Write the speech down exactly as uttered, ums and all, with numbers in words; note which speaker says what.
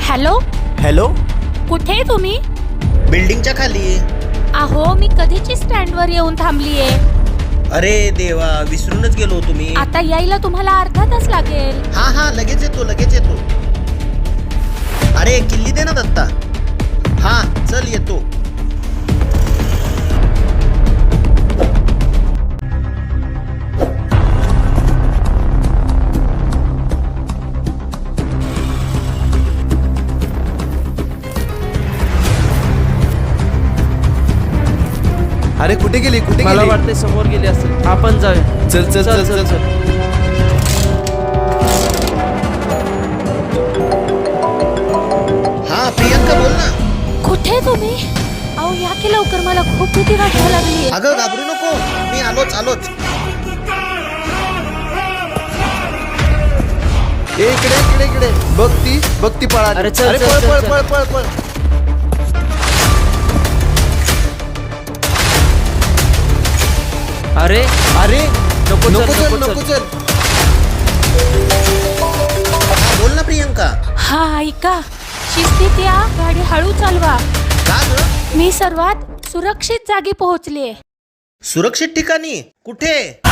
Speaker 1: Hello
Speaker 2: hello,
Speaker 1: कुठे आहे तुम्ही?
Speaker 3: बिल्डिंगच्या खाली.
Speaker 1: अहो मी कधीची स्टँडवर येऊन थांबलीये.
Speaker 3: अरे देवा, विसरूनच गेलो तुम्ही.
Speaker 1: आता यायला तुम्हाला अर्धा तास लागेल.
Speaker 3: हा हा लगेच येतो लगेच येतो. अरे किल्ली दे ना दत्ता. हा चल येतो.
Speaker 2: अरे कुठे गेली कुठे
Speaker 4: मला
Speaker 2: गेली?
Speaker 4: वाटते समोर गेली असेल. आपण जाऊया.
Speaker 2: चल चल चल चल चल.
Speaker 3: हा प्रियंका बोल ना.
Speaker 1: कुठे आहे तुम्ही? अहो या की लवकर, मला खूप भीती वाटायला लागली.
Speaker 3: अगं घाबरू नको, मी आलोच आलोच.
Speaker 2: ए, इकडे इकडे इकडे बघ ती बघ ती पळाली.
Speaker 4: अरे, चल,
Speaker 2: अरे
Speaker 4: चल,
Speaker 2: पळ
Speaker 4: चल,
Speaker 2: पळ
Speaker 4: चल.
Speaker 2: पळ पळ पळ.
Speaker 4: अरे
Speaker 2: अरे
Speaker 4: नको चल,
Speaker 2: नको चल
Speaker 4: नको
Speaker 2: नको
Speaker 4: चल.
Speaker 2: चल.
Speaker 3: हा बोल ना प्रियंका.
Speaker 1: हा ऐका, शिस्तीत या, गाडी हळू चालवा.
Speaker 3: का ग?
Speaker 1: मी सर्वात सुरक्षित जागी पोहोचलीये.
Speaker 3: सुरक्षित ठिकाणी कुठे?